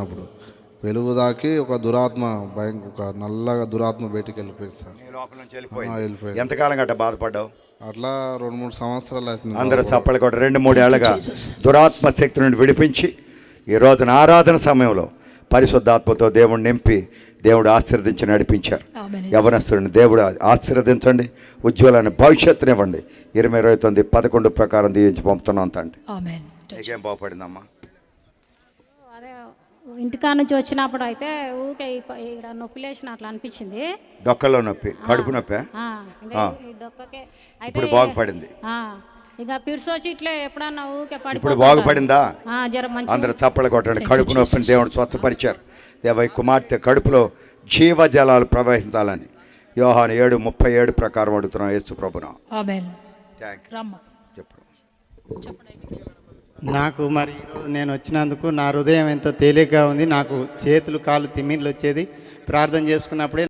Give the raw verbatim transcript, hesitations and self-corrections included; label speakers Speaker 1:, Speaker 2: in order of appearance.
Speaker 1: వచ్చినప్పుడు. వెలుగు దాకి ఒక దురాత్మ భయం, ఒక నల్లగా దురాత్మ బయటికి వెళ్ళిపోయింది సార్.
Speaker 2: వెళ్ళిపోయింది. ఎంతకాలం గట్ట బాధపడ్డావు?
Speaker 1: అట్లా రెండు మూడు సంవత్సరాలు అవుతుంది.
Speaker 2: అందరూ చప్పలు కూడా రెండు మూడు ఏళ్ళగా దురాత్మ శక్తి నుండి విడిపించి ఈ రోజున ఆరాధన సమయంలో పరిశుద్ధాత్మతో దేవుడు నింపి దేవుడు ఆశీర్వదించి నడిపించారు. యవనస్తుడిని దేవుడు ఆశీర్వదించండి, ఉజ్వలాన్ని భవిష్యత్తునివ్వండి. ఇరవై ఇరవై తొమ్మిది పదకొండు ప్రకారం దీవించి పంపుతున్నాం తండ్రి. నీకేం బాగుపడిందమ్మా?
Speaker 3: ఇంటికా నుంచి వచ్చినప్పుడు అయితే ఊకే ఇక్కడ నొప్పి లేచిన అట్లా అనిపించింది.
Speaker 2: డొక్కలో నొప్పి, కడుపు నొప్పి. ఇప్పుడు బాగుపడింది.
Speaker 3: ఇక పిర్స్ వచ్చి ఇట్లా ఎప్పుడన్నా ఊకే పడి.
Speaker 2: ఇప్పుడు బాగుపడిందా?
Speaker 3: జ్వరం
Speaker 2: అందరూ చప్పలు కొట్టండి. కడుపు నొప్పిని దేవుడు స్వస్థపరిచారు. దేవ కుమార్తె కడుపులో జీవజలాలు ప్రవహించాలని యోహాను ఏడు ముప్పై ఏడు ప్రకారం అడుగుతున్నాం యేసు ప్రభునా.
Speaker 4: నాకు మరి ఈరోజు నేను వచ్చినందుకు నా హృదయం ఎంతో తేలికగా ఉంది. నాకు చేతులు కాళ్ళు తిమ్మిర్లు వచ్చేది. ప్రార్థన చేసుకున్నప్పుడే